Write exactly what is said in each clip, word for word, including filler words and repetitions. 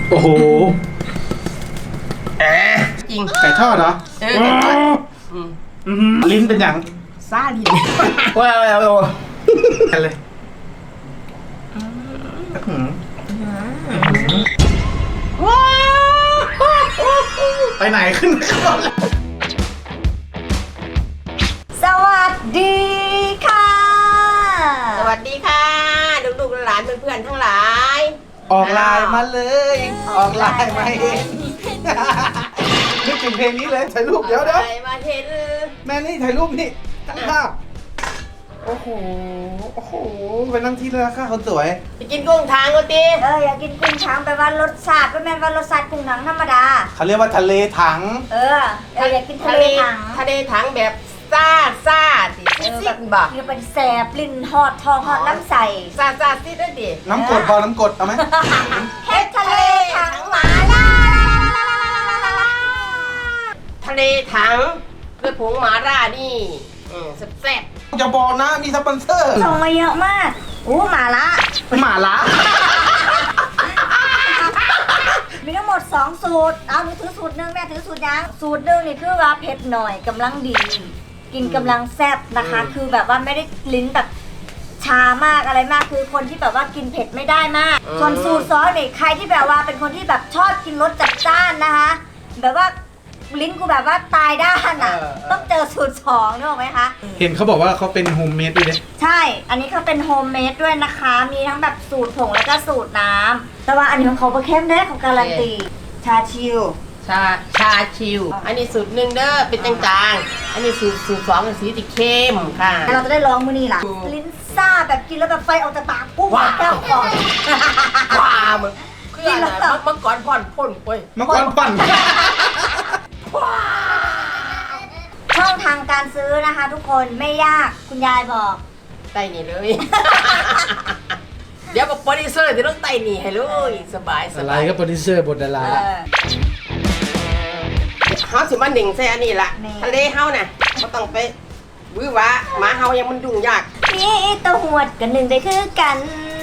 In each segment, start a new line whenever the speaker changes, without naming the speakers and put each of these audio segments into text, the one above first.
โอ้โหแอะ
จริง
ไก่ทอดเหรอ
เออไก่ทอด
อืมลิ้นเป็นอย่าง
ซาลิ้น
ว้าวว้าวกันเลยไปไหนขึ้นก่อน
สวัสดีค่ะ
สวัสดีค่ะลูกๆหลานเพื่อนๆทั้งหลาย
ออกไลน์มาเลยออกไลน์มาเองนึกถึงเพลงนี้เลยถ่ายรูปเดี๋ยวเดี๋ยว
มาเห็น
แม่นี่ถ่ายรูปนี่ตั้งภาพโอ้โหโอ้โหไปนั่งที่เลยค่ะคนสวย
ไปกินกุ้งทางกูตี
เอออยากกินกุ้งช้างไปว่ารสชาติไม่แม่นว่ารสชาติกุ้งถังธรรมดา
เขาเรียกว่าทะเลถัง
เออเอออยากกินทะเลถัง
ทะเลถังแบบซ่าซ่าดิซิดบ่
คือเป็นแสบลิ้นฮอดทองฮอดน้ำใส
ซ่าซ่าซิดด้วยดิ
น้ำกดพอน้ำกดเอาไหม
เฮ็ดทะเลถังหมาล่า
ทะเลถังด้วยผงหมาล่านี่แซ่บ
อย่าบอกนะมีสปอนเซอร์
ส่งมาเยอะมากอู้หมาละ
หมาละ
มีทั้งหมดสองสูตรเอาหนูถือสูตรหนึ่งแม่ถือสูตรยังสูตรหนึ่งนี่คือว่าเผ็ดหน่อยกำลังดีกินกำลังแซ่บนะคะคือแบบว่าไม่ได้ลิ้นแบบชามากอะไรมากคือคนที่แบบว่ากินเผ็ดไม่ได้มากส่วนสูตรซอสนี่ใครที่แบบว่าเป็นคนที่แบบชอบกินรสจัดจ้านนะคะแบบว่าลิ้นกูแบบว่าตายด้านอ่ะต้องเจอสูตรสองนึกออกไหมคะ
เห็นเขาบอกว่าเขาเป็นโฮมเมดด้วยเนี่ย
ใช่อันนี้เขาเป็นโฮมเมดด้วยนะคะมีทั้งแบบสูตรผงแล้วก็สูตรน้ำแต่ว่าอันนี้ของเขาประเข้มได้ของการันตีชาชิล
ชาชาชิลอันนี้สูตรหนึ่งเด้อเป็นจางๆอันนี้สูตรสูตรสองเป็นสีติเข้มค่ะ
เราจะได้ลองมื้อนี้ล่ะลิ้นซ่าแบบกินแล้วแบบไฟออกจากปากปุ๊บแก้วก่อน
ว้ามึงคืออะไรมังกรพ่อนพ่นไป
มังกรปั่น
ช่องทางการซื้อนะคะทุกคนไม่ยากคุณยายบอก
ไต่หนีเลยเดี๋ยวบอกโปรดิวเซอร์จะต้องไต่หนีให้เลยสบายสบาย
อะไรก็โปรดิวเซอร์บทดารา
เฮาสิมาหนึ่งใส่อันนี้ละทะเลเฮาน่ะก็ต้องไปวิวะหมาเฮายังมันยุ่งยาก
นี่ตัวหวดกันหนึ่งได้คือกัน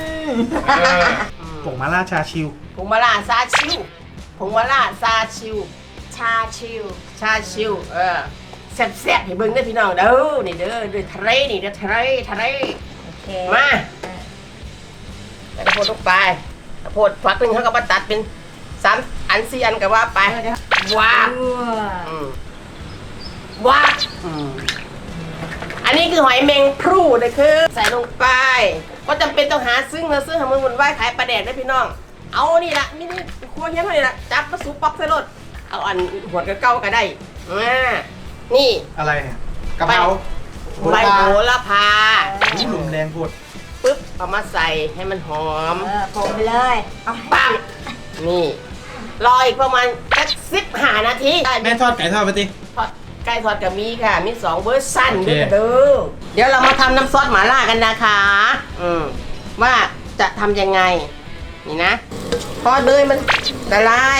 ผงมาล่าชาชิว
ผงมาล่าซาชิวผงมาล่าซาชิว
ชาชิว
ชาชิวเออแซ่บๆให้เบิ่งเด้อพี่น้องเด้อนี่เด้อด้วยทะเลนี่เด้อทะเลทะเล
โอเค
มาแล้วก็โพดลงไปโพดฝักนึงเขาก็มาตัดเป็นสามอันสี่อันก็ว่าไปว้าวว้าวอันนี้คือหอยแมงพรูเลยคือใส่ลงไปก็จำเป็นต้องหาซึ่งมาซึ่งทำมือหุ่นไหวขายปลาแดดได้พี่น้องเอานี่ละนี่นี่ครัวเฮี้ยนนี่ละจับมาสูบป๊อกใส่รถเอาอันหัวกระเก้าก็ได้อ่านี่
อะไรกระเพรา
ใบโหระพา
หลุมแดงพูด
ปึ๊บเอามาใส่ให้มันหอม
เออผมไปเลย
ปังนี่รออีกประมาณแค่สิบห้านาที
แม่ทอดไก่ทอดไปดิ
ทอดไก่ทอดกับมีค่ะมีสองเวอร์ชันด้วยกันเด้อเดี๋ยวเรามาทำน้ำซอสหม่าล่ากันนะคะอืมว่าจะทำยังไงนี่นะทอดเลยมันละลาย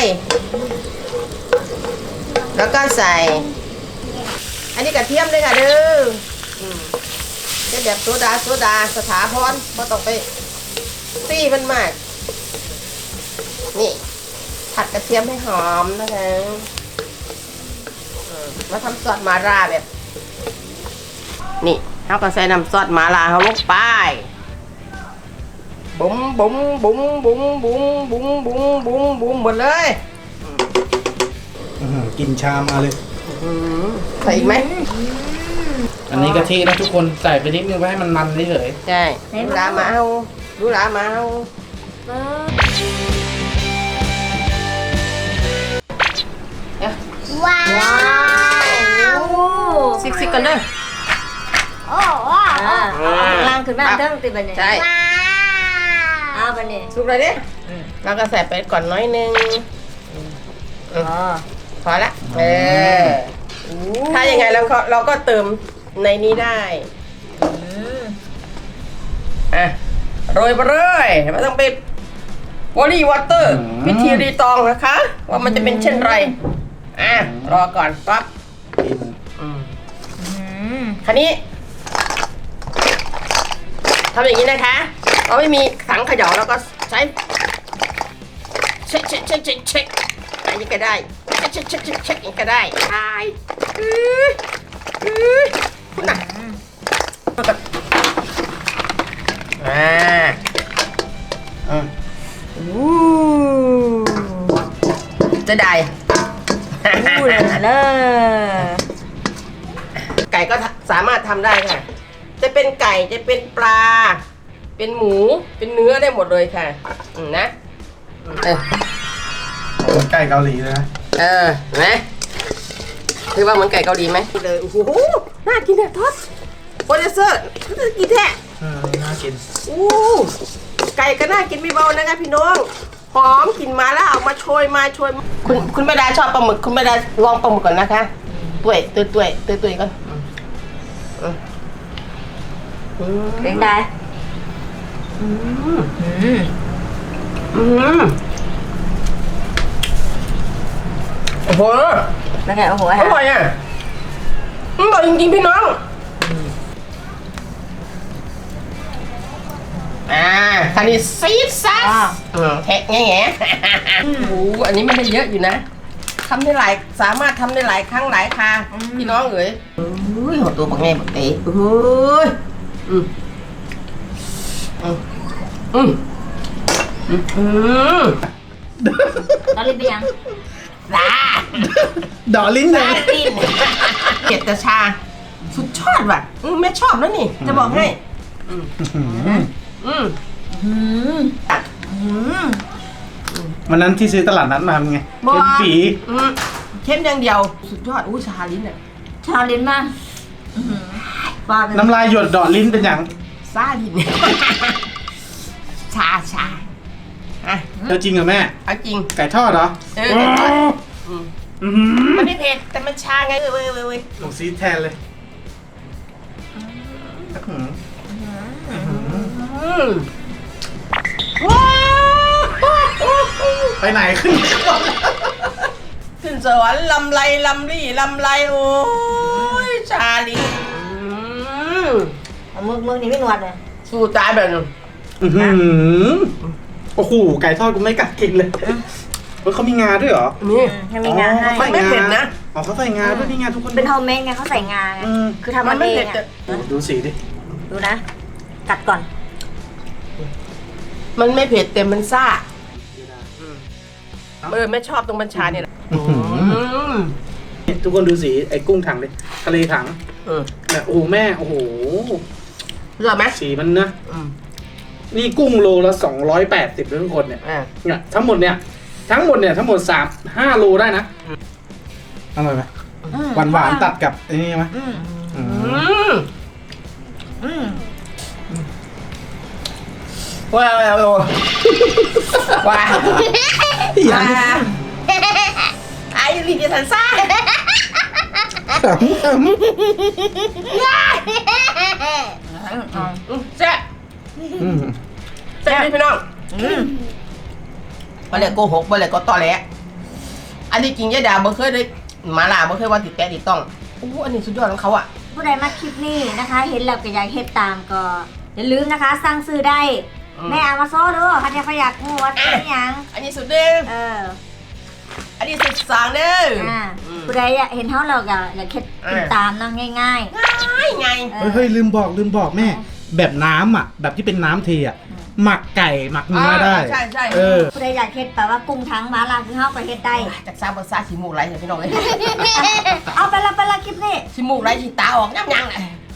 แล้วก็ใส่อันนี้กระเทียมเลยค่ะเด้อจะแบบโซดาโซดาสถาพรพอต้องไปตีมันมากนี่ผัดกระเทียมให้หอมนะคะมาทำซอสมาล่าแบบนี่เราก็ใส่น้ำซอสมาล่าเขาลงไปบุ้มบุ้มบุ้มบุ้มบุ้มบุ้มบุ้มบุ้มบุ้มหมดเลย
กินชามมาเลย
ใส่อีกไหม
อันนี้กะทินะทุกคนใส่ไปนิดนึงไว้ให้มันมันเฉย
ใช่ดูหลามาเอาดูหลามาเอา
ว้าว
ซิกซิกกันเลย
โอ้ว้าวล่างขึ้นมาเริ่มติดไปเนี่ย
ใช่
อ้าวไปเนี่ย
สุกเลยดิเราก็ใส่ไปก่อนน้อยนึงพอละเออถ้ายังไงเราก็เราก็เติมในนี้ได้อ่ะโรยไปเลยไม่ต้องไปวอรี่วอเตอร์วิธีรีตองนะคะว่ามันจะเป็นเช่นไรอ่ะรอก่อนปั๊บคันนี้ทำอย่างนี้นะคะเราไม่มีถังเขย่าเราก็ใช้เช็คเช็คเช็คเช็คเช็คอันนี้ก็ได้เช็คเช็คเช็คเช็คเช็คอย่างนี้ก็ได้ใช่อื้ออื้อน่ะอ่า
อ่ะ
อู้จะได้
พูดเลยเลย
ไก่ก็สามารถทำได้ค่ะ จะเป็นไก่จะเป็นปลา เป็นหมูเป็นเนื้อได้หมดเลยค่ะอืมนะเออ
เหมือนไก่เกาหลีเลยนะ
เออเห็นไหมคือว่าเหมือนไก่เกาหลีไหมเลยโอ้โหน่ากินอะทอดโปรดิวเซอร์น่ากินแท้
เออน่ากิน
อู้ไก่ก็น่ากินไม่เบานะคะพี่น้องหอมกลิ่นมาแล้วเอามาโชยมาโชยคุณคุณแม่ดาชอบปลาหมึกคุณแม่ดาลองปลาหมึกก่อนนะคะตุ้ยตุ้ยตุ้ยตุ้ยตุ้ยก่อนอืมอืม
เป็นไง
อืม
อืม
อืมโอ้โห
เป็นไงโอ้โห
อ
ฮะ
ร่อยอ่ะอร่อยจริงๆพี่น้องอ่าคันนี้ซีดซัสอืมแทะแง่แง่โอ้โหอันนี้ไม่ได้เยอะอยู่นะทำได้หลายสามารถทำได้หลายครั้งหลายคราพี่น้องเอ๋ยโอ้ยหัวตัวบักแง่บักเต๋โอ้ยอืมอืมอืมอืมอืม
ตอนรีบไปยัง
ลา
ดอลิ้นเล
ลาย ดินเกล็ดกระชา สุดชอบว่ะอืมแม่ชอบแล้วนี่ จะบอกให้ อืม
อื้อหือ
อืม
อืม
อืม
วันนั้นที่ซื้อตลาดนัดมาเป็นไงเป็นปี
อืมเข้มอย่างเดียว สุดยอด อู้ชาลิ้นอ่ะ
ชาลิ้นมากอื้อหือปลาเป็น
น้ำลายหยดดอลิ้นเป็นอย่าง
ซาลิ้น ชาชาอ่ะ
เออจริงเหรอแม่
เอาจริง
ไก่ทอดเหรอ
เออเดี๋ยวก่อนอืม
อื้อหือ
ไม่ได้เผ็ดแต่มันชาไงเว้ยเว้ยเว้ยเว้ย
ลงซีดแทนเลยอื้อหือ
อืมว้าว
ไปไหนขึ้น
ขึ้นสวรรค์ลำไรลำรี่ลำไรโอ้ยชาลิ้นอืม
เอามือมือนี่ไม่หนวดเลย
สู้ตายแบบนึง
อื้อหือโอ้โหไก่ทอดกูไม่กัดกินเลยเฮ้ยเขามีงาด้วยเหรอ
นี่
ให้มีงาให้
อ๋อเขาใส่
ไม่เผ็ดนะ
อ๋อเขาใส่งาด้วยนี่งาทุกคน
เป็นโฮมเมดไงเขาใส่งาไง
อืม
คือทำ
มั
มัน น
ไม่
เอ
เผ็
ง
ด
อะ
แต่
โอ้ดูสีดิ
ดูนะ กัดก่อน
มันไม่เผ็ดแต่มันซ่าเออไม่ชอบตรงบัญชาเนี่ยแหละ
อื้อหือ
อืม
ทุกคนดูสีไอ้กุ้งถังดิทะเลถัง
อืม
เนี่ยโอ้โหแม่โอ้โห
เลือกไหม
สีมันนะ
อืม
นี่กุ้งโลละสองร้อยแปดสิบทุกคนเนี่ย
อ่า
เนี่ยทั้งหมดเนี่ยทั้งหมดเนี่ยทั้งหมดสามห้าโลได้นะอร่อยไหม
อืม
หวานหวานๆตัดกับไอ้นี่ไหม
อืม
อื
อื
ม
ม
อืม
ว้าวว้าวว้าวว้าวว้าวไอ้ลีเดียสันซ่า
ขำข
อืมแซ่บ
ำอืม
แซ่บดิพี่น้อง
อืม
บ่เลยโกหกบ่เลยก็ตอแหลอันนี้จริงยายดาบ่เคยได้หมาล่าบ่เคยว่าติดแกะติดต้องอู้อันนี้สุดยอดของเขาอ่ะ
ผู้ใดมาคลิปนี้นะคะ เห็นแล้วก็อยากเฮ็ดตามก็อย่าลืมนะคะ สั่งซื้อได้
อืม
แม่เอามาโซ่ด้วยใครจะอยากงูว่าเป็นหยัง
อันนี้สุดหนึ่ง
เออ
อันนี้สุดสองเด้อ
อ่า
อืม
ผู้ใดอยากเห็นเท่าเราก็อยากเฮ็ดติดตามเนาะง่าย
ง่ายไง
ๆเอ
เฮ้ย
อ
เฮ้ยลืมบอกลืมบอกแม่ แบบน้ำอ่ะ แบบที่เป็นน้ำเทอ่ะ หมักไก่หมักเนื้อได้
ใช่ใช่
เออ
ผู้ใดอยากเฮ็ดแบบว่ากุ้งทั้งมาลาคือเฮาก็เฮ็ดได้
จากซาบะซาขี้มูกไหลเถอะพี่น้องเอ้ย
เอาไปละไปละคลิปนี้
ขี้มูกไหลขี้ตาออกยังยังเลย